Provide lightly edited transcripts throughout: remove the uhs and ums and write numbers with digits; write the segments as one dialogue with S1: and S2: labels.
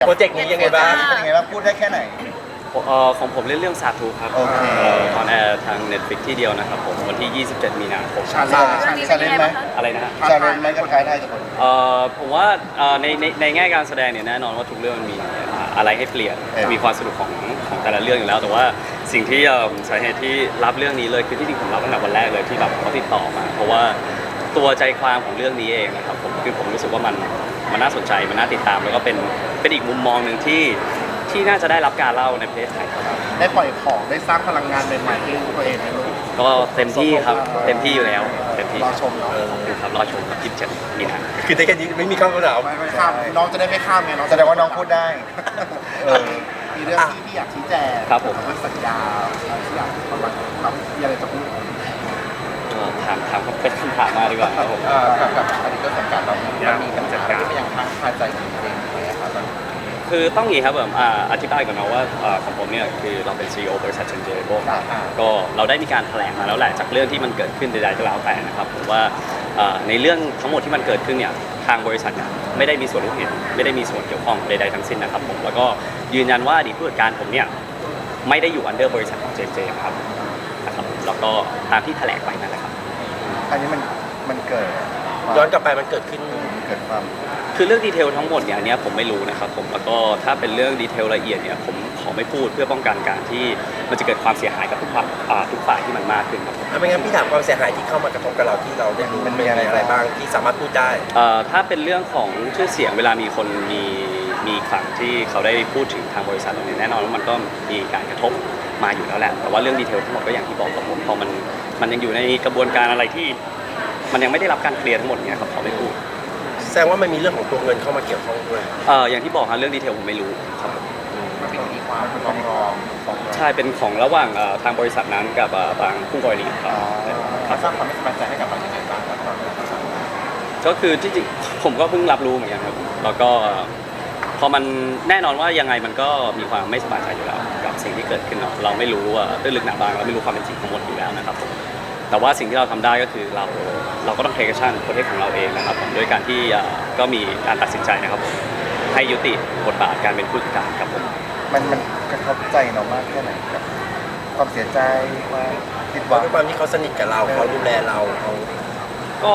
S1: โปรเจกต์นี้ยังไงบ้าง
S2: เป็นยังไงบ้างพูดได้แค่ไหน
S3: ของผมเล่นเรื่องสาธุครับ
S2: โอเค
S3: ออนแอร์ทาง Netflix ที่เดียวนะครับผมวันที่ 27 มีนาคม
S2: ชาเลนจ์ไหม
S3: อะไรนะฮะ
S2: ชาเลนจ์ไหมกับท้ายได้ทุกคน
S3: ผมว่าในแง่การแสดงเนี่ยแน่นอนว่าทุกเรื่องมันมีอะไรให้เปลี่ยนมีความสนุกของแต่ละเรื่องอยู่แล้ว แต่ว่าสิ่งที่สาเหตุที่รับเรื่องนี้เลยคือที่จริงผมรับตั้งแต่วันแรกเลยที่แบบเขาติดต่อมาเพราะว่าตัวใจความของเรื่องนี้เองนะครับผมคือผมรู้สึกว่ามันน่าสนใจมันน่าติดตามแล้วก็เป็นอีกมุมมองหนึ่งที่น่าจะได้รับการเล่าในประเทศไทยครับ
S1: ได้ปล่อยของได้สร้างพลังงานใหม่ๆให้ตัวเองไหมลูก
S3: ก็เต็มที่ครับเต็มที่อยู่แล้วเต็มที่
S1: รอชมเนาะ
S3: ครับรอชมครับ27 มีนา
S4: คือได้แค่นี้ไม่มีข้าวเหลา
S1: ไม่ข้ามน้องจะได้ไม่ข้ามไงน้อง
S2: แสดงว่าน้องพูดได้
S1: มีเรื่องที่พี่อยากชี้แจง
S3: ครับผม
S1: เรื่องสัญญาอะไรที่อยากประมาณครับมีอะไรจะพูด
S3: ถามเป็นคำถามมาดีกว่าครับผม
S1: กับอดีตต้นสังกัดเรามันมีปัญหาที่มันยังค้างคาใจอยู่เองไหมครับ
S3: คือต้องอย่างนี้ครับผมอธิบายก่อนนะว่าของผมเนี่ยคือเราเป็น CEO บริษัทเชนเจโบก็เราได้มีการแถลงมาแล้วแหละจากเรื่องที่มันเกิดขึ้นใดๆก็แล้วแต่นะครับผมว่าในเรื่องทั้งหมดที่มันเกิดขึ้นเนี่ยทางบริษัทเนี่ยไม่ได้มีส่วนรู้เห็นไม่ได้มีส่วนเกี่ยวข้องใดๆทั้งสิ้นนะครับผมแล้วก็ยืนยันว่าอดีตผู้จัดการผมเนี่ยไม่ได้อยู่อันเดอร์บริษัทของเจนเจครับนะครับแล้วก็ตามที่แถลงไปนั่นแหละครับ
S2: อันนี้มันเกิด
S4: ย้อนกลับไปมันเกิดขึ้น
S2: เกิดความ
S3: คือเรื่องดีเทลทั้งหมดเนี่ยอันเนี้ยผมไม่รู้นะครับผมแล้วก็ถ้าเป็นเรื่องดีเทลละเอียดเนี่ยผมขอไม่พูดเพื่อป้องกันการที่มันจะเกิดความเสียหายกับทุกฝ่ายที่มันมากขึ้นครับผม
S4: ไม่งั้นพี่ถามความเสียหายที่เข้ามากระทบกับเราที่เราได้รู้มันมีอะไรบ้างที่สามารถพูดได้
S3: ถ้าเป็นเรื่องของชื่อเสียงเวลามีคนมีฝั่งที่เขาได้พูดถึงทางบริษัทเราเนี่ยแน่นอนว่ามันก็มีการกระทบมาอยู่แล้วแหละแต่ว่าเรื่องดีเทลทั้งหมดก็อย่างที่บอกกับผมพอมันยังอยู่ในกระบวนการอะไรที่มันยังไม่ได้รับการเคลียร์ทั้งหมดเนี่ยครับขอไม่พูด
S4: แสดงว่ามันมีเรื่องของตัวเงินเข้ามาเกี่ยวข้องด้วย
S3: อย่างที่บอกครับเรื่องดีเทลผมไม่รู้ครับผม
S1: มันเป็นมีความฟ้องร้อง
S3: ใช่เป็นของระหว่างทางบริษัทนั้นกับทางคู่กรณีครับ
S1: เขาสร้างความไม่สบายใจให้กับเราอย่างไรบ้างครับตอนนี้
S3: ก็คือที่จริงผมก็เพิ่งรับรู้เหมือนกันครับแล้วก็พอมันแน่นอนว่ายังไงมันก็มีความไม่สบายใจอยู่แล้วกับสิ่งที่เกิดขึ้นเนาะเราไม่รู้ว่าตื้นลึกหนาบางเราไม่รู้ความเป็นจริงทั้งหมดอยู่แล้วนะครับผมแต่ว่าสิ่งที่เราทำได้ก็คือเราก็ต้องเทคชั่นประเทศของเราเองนะครับผมโดยการที่ก็มีการตัดสินใจนะครับผมให้ยุติบทบาทการเป็นผู้จัดการครับผม
S2: มันกระทบใจเรามากแค่ไหนกับความเสียใจความผิดห
S4: เพ
S2: วั
S4: ราะ
S2: ง
S4: ด้วยความที่เขาสนิทกับเราเขาดูแลเราเขา
S3: ก็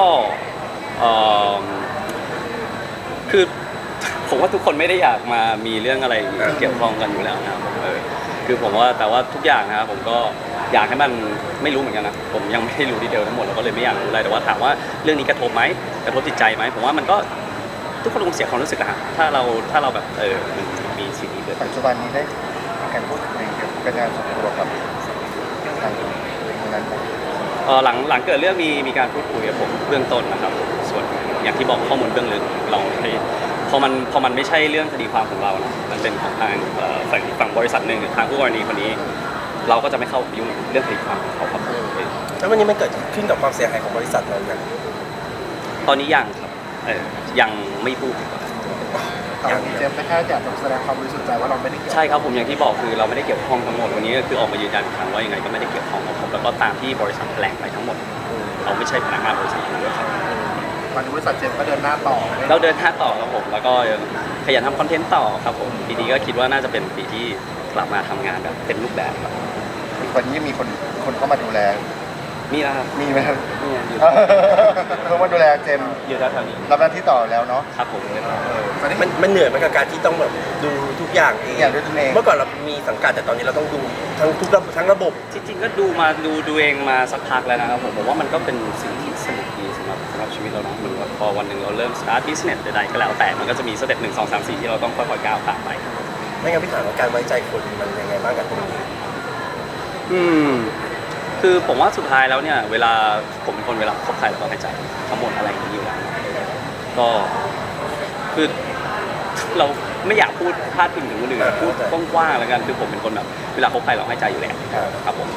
S3: คือผมว่าทุกคนไม่ได้อยากมามีเรื่องอะไรเกี่ยวข้องกันอยู่แล้วนะครับผมคือผมว่าแต่ว่าทุกอย่างนะครับผมก็อยากให้มันไม่รู้เหมือนกันนะผมยังไม่ได้รู้ดีเทลทั้งหมดเราก็เลยไม่อยากรู้อะไรแต่ว่าถามว่าเรื่องนี้กระทบไหมกระทบจิตใจไหมผมว่ามันก็ทุกคนคงเสียความรู้สึกอะฮะถ้าเราแบบมันมีสิ่งนี้เกิด
S2: ปั
S3: ขึ้
S2: จ
S3: น
S2: จุบันนี้ได้มีการพูดคุยเกี่ยวกับการส่วนตัวกับทางนั้นไหม
S3: หลังเกิดเรื่องมีการพูดคุยกับผมเบื้องต้นนะครับส่วนอย่างที่บอกข้อมูลเบื้องลึกเราให้พอมันไม่ใช่เรื่องคดีความของเรานะมันเป็นของทางฝั่งบริษัทหนึ่งหรือทางผู้กรณีคนนี้ เราก็จะไม่เข้าไปยุ่งเรื่องคดีความของเขาครับ
S4: แล้ววันนี้มันเกิดขึ้นกับความเสียหายของบริษัทเราอย่าง
S3: ตอนนี้ยังครับยังไม่พูดดีกว่า
S1: อย่างเจมส์แค่อยากจะแสดงความบริสุทธิ์ใจว่าเราไม่ได้เกี่ยว
S3: ใช่ครับผมอย่างที่บอกคือเราไม่ได้เกี่ยวข้องทั้งหมดวันนี้ก็คือออกมายืนยันอีกครั้งว่ายังไงก็ไม่ได้เกี่ยวข้องกับผมแล้วก็ตามที่บริษัทแถลงไปทั้งหมดเราไม่ใช่พนักงานบริษัทด้วยครับ
S1: ตอนนี้บริษัทเจมส์ก็เดินหน้าต่อ
S3: เราเดินหน้าต่อครับผมแล้วก็ขยันทำคอนเทนต์ต่อครับผมปีนี้ก็คิดว่าน่าจะเป็นปีที่กลับมาทำงานแบบเต็มรูปแบบครับ
S2: วันนี้มีคนเข้ามาดูแล
S3: มีแล้วครับ
S2: มีไหมครับ
S3: มีอยู่
S2: เขามาดูแลเจมส์
S3: อยู่แถวๆนี้
S2: รับหน้าที่ต่อแล้วเนาะ
S3: ครับผม
S4: มันเหนื่อยไหมกับการที่ต้องแบบดูทุกอย่างเอง
S2: อย่างด้วยตัวเอง
S4: เมื่อก่อนเรามีสังกัดแต่ตอนนี้เราต้องดูทั้งระบบ
S3: จริงๆก็ดูเองมาสักพักแล้วนะครับผมว่ามันก็เป็นสิ่งที่สนุกดีสำหรับชีวิตเราเนาะเหมือนว่าพอวันหนึ่งเราเริ่ม start business ใดๆก็แล้วแต่มันก็จะมีสเต็ป1 2 3 4ที่เราต้องค่อยๆก้าวผ่านไป
S4: ไม่งั้นพี่ถามว่าการไว้ใจคนมันยังไงบ้างกับตรงนี้
S3: คือผมว่าสุดท้ายแล้วเนี่ยเวลาผมเป็นคนเวลาคบใครเราต้องให้ใจทั้งหมดอะไรอย่างนี้อยู่แล้วก็คือเราไม่อยากพูดพลาดพิงถึงคนอื่นพูดกว้างๆแล้วกันคือผมเป็นคนแบบเวลาคบใครเราให้ใจอยู่แล้วครับผม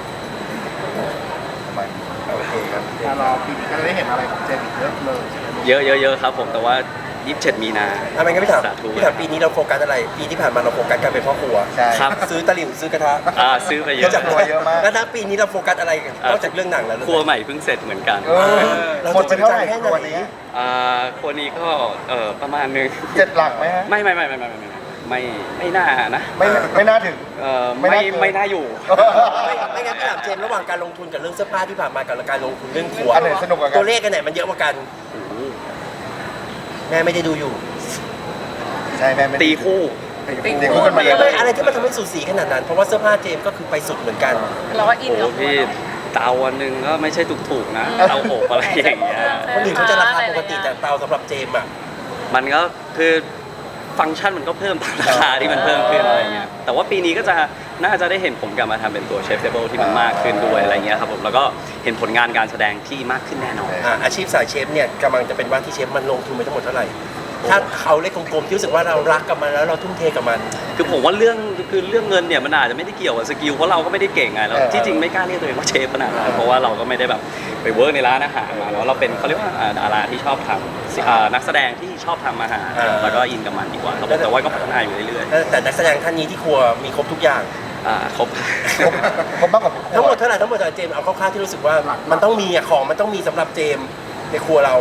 S2: ทำไม
S4: โอเคครับ
S1: ถ้ารอปีนี้ก็จะได้เห็นอะไรของเจมส์อีกเยอะเลยใช่ไหม
S3: เยอะครับผมแต่ว่า27 มีนา
S4: ไม่งั้นพี่ถาม
S3: สาธุ
S4: ปีนี้เราโฟกัสอะไรปีที่ผ่านมาเราโฟกัสการเป็นพ่อครัว
S2: ใช่
S3: ครับ
S4: ซื้อตะหลิ่วซื้อกระทะ
S3: ซื้อไปเย
S4: ก็
S3: อะ
S4: จาก
S2: ตัวเยอะมาก
S4: แล้วถ้าปีนี้เราโฟกัสอะไรนอกจากเรื่องหนังแล้ว
S3: ครัวใหม่เพิ่งเสร็จเหมือนกัน
S2: หมดไปเท่าไหร่ตัวนี้
S3: ครัวนี้ก็ประมาณนึง
S2: 7 หลักไหมฮะ
S3: ไม่ไม่น่านะ
S2: ไม่น่าถึง ไม่
S3: ไม่
S2: น่าเกิน
S3: ไม่น่าอยู่
S4: ไม่งั้นพี่ถามเจมส์ระหว่างการลงทุนกับเรื่องเสื้อผ้าที่ผ่านมากับการลงทุนเรื่องครัว
S2: อันไหนสนุกกว่ากัน
S4: ตัวเลขกันไหนมันเยอะกว่ากันแม่ไม่ได้ดูอยู่
S2: ใช่แม่ไม่
S3: ตีคู่
S2: ตีคู่กันมาเลย
S4: อะไรที่มันทำให้สูสีขนาดนั้นเพราะว่าเสื้อผ้าเจมส์ก็คือไปสุดเหมือนกัน
S5: เราก็อิน
S3: โอ้
S5: กับ
S3: พี่เตาวันหนึ่งก็ไม่ใช่ถูกๆนะเตาอบอะไรอย่างเงี้ย
S4: คนอื่นเขาจะราคาปกติแต่เตาสำหรับเจมส์อ่ะ
S3: มันก็คือฟังก์ชันมันก็เพิ่มตามราคาที่มันเพิ่มขึ้นอะไรเงี้ยแต่ว่าปีนี้ก็จะน่าจะได้เห็นผมกลับมาทำเป็นตัวเชฟเทเบิลที่มันมากขึ้นด้วยอะไรเงี้ยครับผมแล้วก็เห็นผลงานการแสดงที่มากขึ้นแน่นอน
S4: อาชีพสายเชฟเนี่ยกำลังจะเป็นว่าที่เชฟมันลงทุนไปทั้งหมดเท่าไหร่ถ้าเขาเลขกลมๆที่รู้สึกว่าเรารักกับมันแล้วเราทุ่มเทกับมัน
S3: คือผมว่าเรื่องเงินเนี่ยมันอาจจะไม่ได้เกี่ยวกับสกิลเพราะเราก็ไม่ได้เก่งไงแล้วที่จริงไม่กล้าเรียกตัวเองว่าเชฟขนาดนั้นเพราะว่าเราก็ไม่ได้แบบไปเวิร์กในร้านอาหารมาแล้วเราเป็นเขาเรียกว่าดาราที่ชอบทำนักแสดงที่ชอบทำอาหารแล้วก็อินกับมันดีกว่าครับแต่ว่าก็พัฒนาอยู่เรื่อย
S4: แต่นักแสดงท่านนี้ที่ครัวมีครบทุกอย่าง
S3: ๆครบ
S2: ผมมากกว่า
S4: ทั้งหมดเท่าไหร่ทั้งหมดเจมส์เอาคร่าวๆที่รู้สึกว่ามันต้องมีอะของมันต้องมีสำหรับเจมส์ในครัวเรา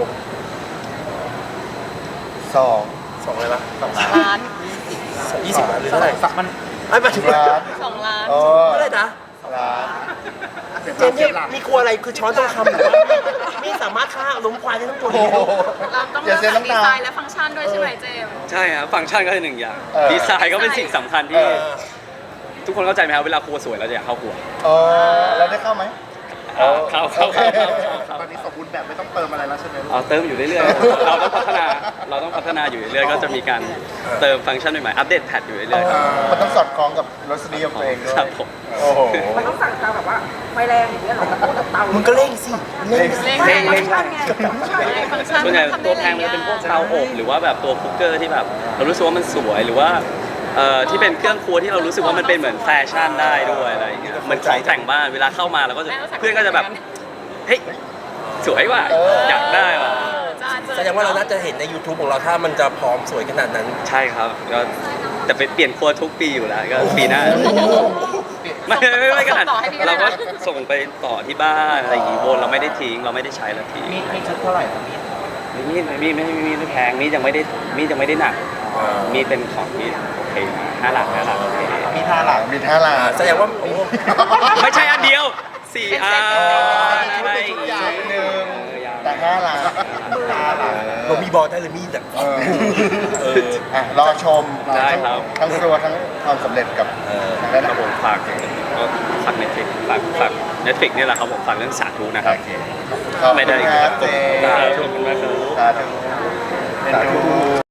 S2: สอง
S4: สองอะไรวะ
S5: ล้าน
S4: 20 ล้านหรือเท่าไหร่ไอ้หมายถึง
S2: ล้าน
S5: 2 ล้าน
S2: โอ้
S4: เท่าไหร่นะ
S2: ล้าน
S4: เจมส์เนี่ยมีครัวอะไรคือช้อนทองคำหรือว่ามีสามารถฆ่าล้มควายได้ทั้งตัว
S2: โอ้
S4: นี้
S2: โห
S5: เราต้อง
S2: อย่า
S5: เลือก
S2: เสีย
S5: จาก
S2: น้ำ
S5: ดี
S2: ตา
S5: ไซน์และฟังก์ชันด้วยใช่ไหมเจมส์
S3: ใช่ครับฟังก์ชันก็เป็นหนึ่งอย่าง
S2: เออ
S3: ดีไซน์ก็เป็นสิ่งสำคัญ
S2: เอ
S3: ที่
S2: อ
S3: ทุกคนเข้าใจไหมครับเวลาครัวสวยเราจะอยากเข้าครัว
S2: เราได้เข้าไหม
S3: เข้า
S1: ตอนนี้สมบูรณ์แบบไม่ต้องเติมอะไรแล้วใช่ไหมลูก
S3: เติมอยู่เรื่อยๆเราต้องพัฒนาอยู่เรื่อยๆก็จะมีการเติมฟังก์ชันใหม่ๆอัปเดตแพทอยู่เรื่อยๆ
S2: มันต้องสอดคล้องกับรสนิยมตัวเองด้วย
S3: ครับผม
S2: โอ้โห
S6: มันต้องสั่งเตาแบบว่าไฟแรงอย่างเงี้ยเหรอพูดกับเตา
S4: มึงก็เร่งสิเร่ง
S5: เร่ง
S3: เร่ง
S5: ฟังก์ชันไงฟังก์ชัน
S3: ส่วนใหญ่
S5: ทำได้
S3: ตัวแพงมันจะเป็นพวกเตาอบหรือว่าแบบตัวคุกเกอร์ที่แบบเรารู้สึกว่ามันสวยหรือว่าที่เป็นเครื่องครัวที่เรารู้สึกว่ามันเป็นเหมือนแฟชั่นได้ด้วยอะไรอย่างเงี้ยเหมือนของแต่งบ้านเวลาเข้ามาเราก็จะเพื่อนก็จะแบบเฮ้ยสวยว่ะอยากได้ว่ะ
S4: แสดงว่าเราน่าจะเห็นใน YouTube ของเราถ้ามันจะพร้อมสวยขนาดนั้น
S3: ใช่ครับก็แต่ไปเปลี่ยนครัวทุกปีอยู่แล้วก็ปีหน้าไม่ขนาดเราก็ส่งไปต่อที่บ้านอะไรอย่างงี้วนเราไม่ได้ทิ้งเราไม่ได้ใช้แล้วทิ้ง
S1: มีชุดเท่าไหร่ครับมีด
S3: มีไม่แพงมียังไม่ได้หนักมีเป็นของมีโอเค5 หลักโอเค
S1: มีท่าหลัง
S2: มีท่าลา
S4: แสดงว่าโอ้
S3: ไม่ใช่อันเดียว4 อันอะไรอย่างงี้
S2: หนึ่งแต่5 ล้าน
S4: เรามีบอลได้เลยมีดอ่ะ
S2: รอชม
S3: ได้ครับ
S2: ทั้งครัวทั้งความสำเร็จกับทางด้าน
S3: ครับผมฝากเน็ตฟลิกฝากเน็ตฟลิกนี่แหละครับผมฝากเรื่องสาธุนะครับ
S2: โอเคขอบคุณครับเจ
S3: ขอบคุณมากครับ
S2: สาธุสาธุ